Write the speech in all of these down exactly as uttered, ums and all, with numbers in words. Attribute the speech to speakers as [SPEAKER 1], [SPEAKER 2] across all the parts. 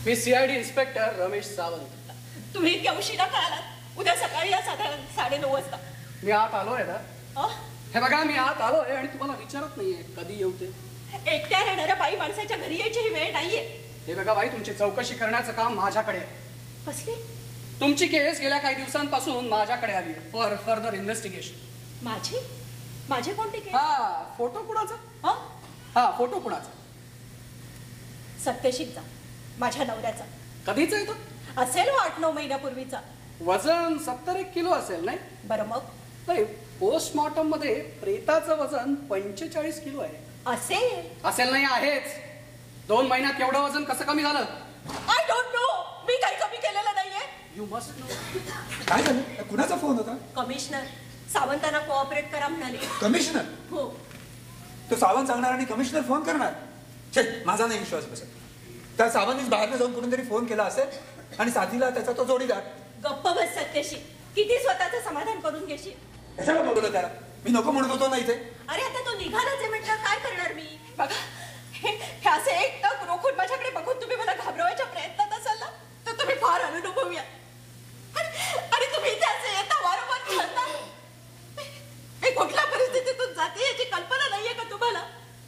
[SPEAKER 1] मी CID inspector Ramesh Sawant.
[SPEAKER 2] तुम्ही इतक्या उशिरा का आलात? उद्या सकाळी या साधारण साडेनऊ वाजता.
[SPEAKER 1] मी आत आलोय ना. हे बघा मी आत आलोय आणि तुम्हाला विचारत नाहीये कधी येऊ ते.
[SPEAKER 2] एकट्या राहणाऱ्या बाई माणसाच्या घरी यायची ही वेळ नाहीये.
[SPEAKER 1] हे बघा बाई, तुमची चौकशी करण्याचं काम माझ्याकडे आहे.
[SPEAKER 2] कसली?
[SPEAKER 1] तुमची केस गेल्या काही दिवसांपासून माझ्याकडे आली आहे फॉर फर्दर इन्व्हेस्टिगेशन.
[SPEAKER 2] माझी? माझे कोणते केस?
[SPEAKER 1] हा, फोटो कुणाचा? हा, फोटो कुणाचा?
[SPEAKER 2] सत्यशीलचा, माझ्या नवऱ्याचा.
[SPEAKER 1] कधीच आहे तो?
[SPEAKER 2] असेल आठ नऊ महिन्यापूर्वीचा.
[SPEAKER 1] वजन सत्तर एक किलो असेल नाही?
[SPEAKER 2] बरं मग?
[SPEAKER 1] नाही, पोस्टमॉर्टम मध्ये प्रेताचं वजन पंचेचाळीस किलो आहे.
[SPEAKER 2] असेल?
[SPEAKER 1] असेल नाही, आहेच. दोन महिन्यात एवढं वजन कसं कमी झालं?
[SPEAKER 2] I don't know. मी काही कमी केलेलं नाहीये.
[SPEAKER 1] You must know.
[SPEAKER 3] काय झालं? कुणाचा फोन होता?
[SPEAKER 2] कमिशनर सावंतांना कोऑपरेट करा म्हणाले.
[SPEAKER 3] कमिशनर?
[SPEAKER 2] हो.
[SPEAKER 3] तो सावंत सांगणार आणि कमिशनर फोन करणार? छे, माझा नाही विश्वास बसत. त्या सावंतनीच बाहेर जाऊन कुठून तरी फोन केला असेल आणि साथीला त्याचा तो जोडीदार.
[SPEAKER 2] गप्प बस सत्यशी. किती स्वतःचं समाधान करून घेशील?
[SPEAKER 3] कशाला बोलवलं त्याला? मी नको म्हणत होतो ना इथे.
[SPEAKER 2] अरे आता तो निघालाच आहे म्हटलं काय करणार मी? बघा हे असे एक टक रोखून माझ्याकडे बघून तुम्ही मला घाबरवायच्या प्रयत्नात असाल ना, तर तुम्ही फार अनुभवी आहात. आणि तुम्ही इथे असे येता वारंवार खेळता. मी कुठल्या परिस्थितीतून जाते याची कल्पना नाहीये का तुम्हाला?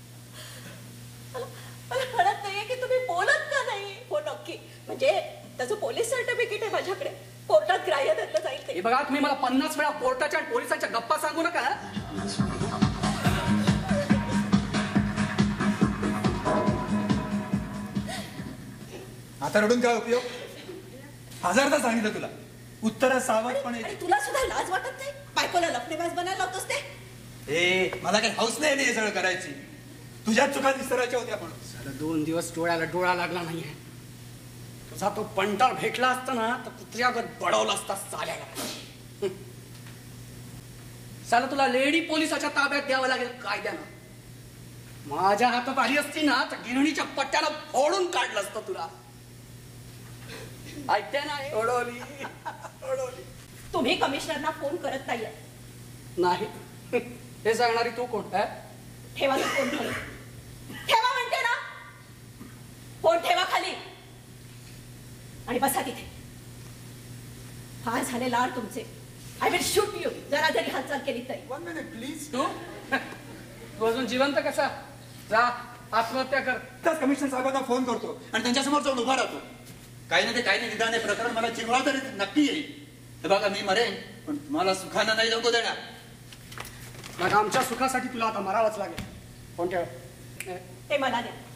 [SPEAKER 2] मला कळत नाहीये की तुम्ही बोलत का नाही. हो नक्की, म्हणजे त्याचं पोलीस सर्टिफिकेट आहे माझ्याकडे. कोर्टात ग्राह्य धरलं जाईल ते.
[SPEAKER 1] बघा, तुम्ही मला पन्नास वेळा कोर्टाच्या आणि पोलिसांच्या गप्पा सांगू नका.
[SPEAKER 3] आता रडून काय उपयोग? हजारदा सांगितलं तुला, उत्तर सावधपणे.
[SPEAKER 2] तुला सुद्धा लाज वाटत नाही? बायकोला लफडेबाज बनायला लावतोस ते?
[SPEAKER 3] ए, मला काही हौस नाही हे सगळं करायची. तुझ्याच चुका विसरायच्या होत्या. पण
[SPEAKER 1] साला दोन दिवस डोळ्याला डोळा लागला नाहीये. तुझा तो पंटाळ भेटला असता ना तर कुत्र्यागत बडवला असता साल्याला. साला तुला लेडी पोलिसाच्या ताब्यात द्यावं लागेल कायद्यानं. माझ्या हातात आली असती ना तर गिरणीच्या पट्ट्याला फोडून काढलं असतं तुला. ऐकते ना? ओढवली ओढवली.
[SPEAKER 2] तुम्ही कमिशनरना फोन करत नाहीये.
[SPEAKER 1] नाही, हे सांगणारी तू कोण?
[SPEAKER 2] ठेवा तो फोन खाली. ठेवा म्हणते ना. फोन ठेवा खाली आणि बसा तिथे. फार झाले लाड तुमचे. आय विल शूट यू जरा जरी हालचाल केली तरी.
[SPEAKER 3] One minute please.
[SPEAKER 1] तू तू अजून जिवंत कसा? जा आत्महत्या कर.
[SPEAKER 3] त्याच कमिशनर साहेबांना फोन करतो आणि त्यांच्यासमोर जाऊन उभा राहतो. काही ना ते काही नाही, निदान हे प्रकरण मला चिरवा तरी नक्की येईल. हे बघा, मी मरेन पण मला सुखानं नाही जगू देणार.
[SPEAKER 1] मग आमच्या सुखासाठी तुला आता मरावंच लागेल. कोण ठेव?
[SPEAKER 2] ते मला द्या.